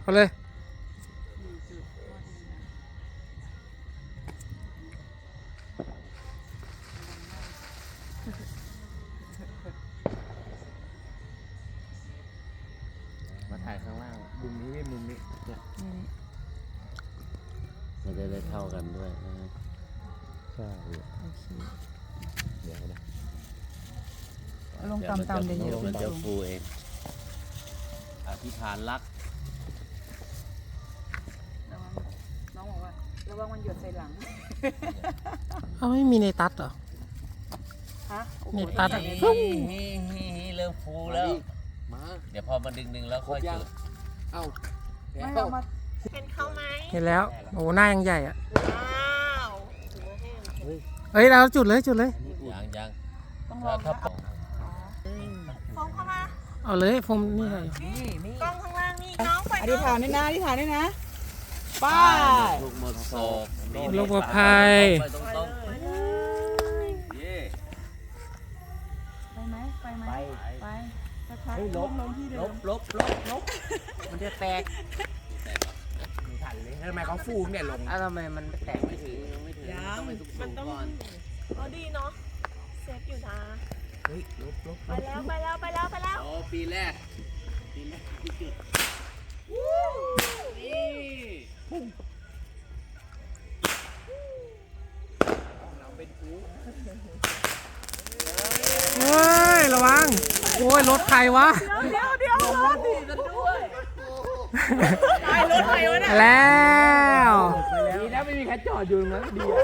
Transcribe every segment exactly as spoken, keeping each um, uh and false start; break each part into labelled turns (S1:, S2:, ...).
S1: เอาเลย
S2: มาถ่ายข้างล่างมุมนี้มุมนี้เนี่ย
S3: มันจะได้เท่ากันด้วยนะ
S2: ใช่
S4: โอเค
S2: เดี๋ยวนะ
S4: เอาลงตามๆเดี๋ยวเยอะ
S3: มันจะ
S4: ลง
S3: ฟูเองอธิษฐานรัก
S4: ระวังน้องบอกว่าระวังมันหยดใส่หลัง
S1: เอาไม่มีในตัดเหรอ
S4: ฮะโอ้โห
S1: นี่ตัดอะ
S3: เริ่มฟูแล้ว
S2: มา
S3: เดี๋ยวพอมันดึงๆแล้วค่อยจุด
S2: เอ้า
S4: ไม่เอามา
S5: เป็นเขาไหม
S1: เห็นแล้วโอ้หน้ายังใหญ่อะ
S5: ว้าวถือว่าแห้ง
S1: เอ้ยเราจุดเลยจุดเลย
S3: ยังยัง
S4: ต้องล
S3: ถ้า
S4: อง
S3: ถ้า
S4: นะ
S3: ปอก
S5: ฟองเข้ามา
S1: เอาเลยผมนี่ไง
S5: กล้องข้างล่างนี่น้องไป
S4: อธิษฐานด้วยนะอธิษฐานด้วยนะไป้า
S3: ลูกหมดโศก
S1: โรคปลอดภัย
S3: ไปตรงๆเย่
S4: ไปไหมไปไหมไปสักพัก
S2: เฮ้ยลบ
S4: ลงที่เดิ
S2: ล
S4: ม
S2: บลบลบลบมันจะแตกไม่ทันเลยทำไมเขาฟูเนี่ยลงอ้าวทำไมมันแตกไม่ถึงไม่ถึงต้องไปสูงๆก่อน
S5: เอาดีเนาะเซฟอยู่นะ
S2: เฮ้ยลบลบ
S5: ไปแล้วไปแล้วไปแล้วไปแล้ว
S3: โอ้ปีแรกปีแรกที่จุดนี่
S2: เราเป็นฟู
S1: เฮ้ยระวังโอ้ยรถใครวะ
S5: เดี๋ยวเดี๋ยวรถดีกันด้วยตายรถใครวะเนี่ย
S1: แล้ว
S2: ดีนะไม่มีใครจอดอยู่ตรงนั้นดีอ่ะ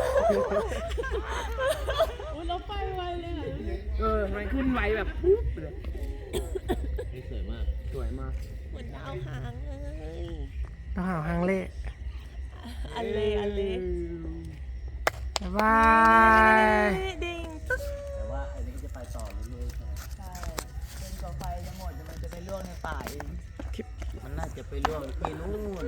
S5: อุ้ยรถไปไวเลยอ่ะ
S2: เออมันขึ้นไวแบบปุ๊บเลย
S3: นี่สวยมาก
S2: สวยมาก
S5: เหมือนดาวหางเลย
S1: ต้องหาหางเล่
S5: อันเลอันเล
S1: บ๊ายบาย
S5: ดิ่งตึ๊ด
S3: แต่ว่าอันนี้จะไปต่อเรื่อยๆใช่ไหม
S4: ใช่จนกว่าไฟจะหมดเดี๋ยวมันจะไปล่วงในป่าเอง
S2: มันน่าจะไปล่วงที่นู่น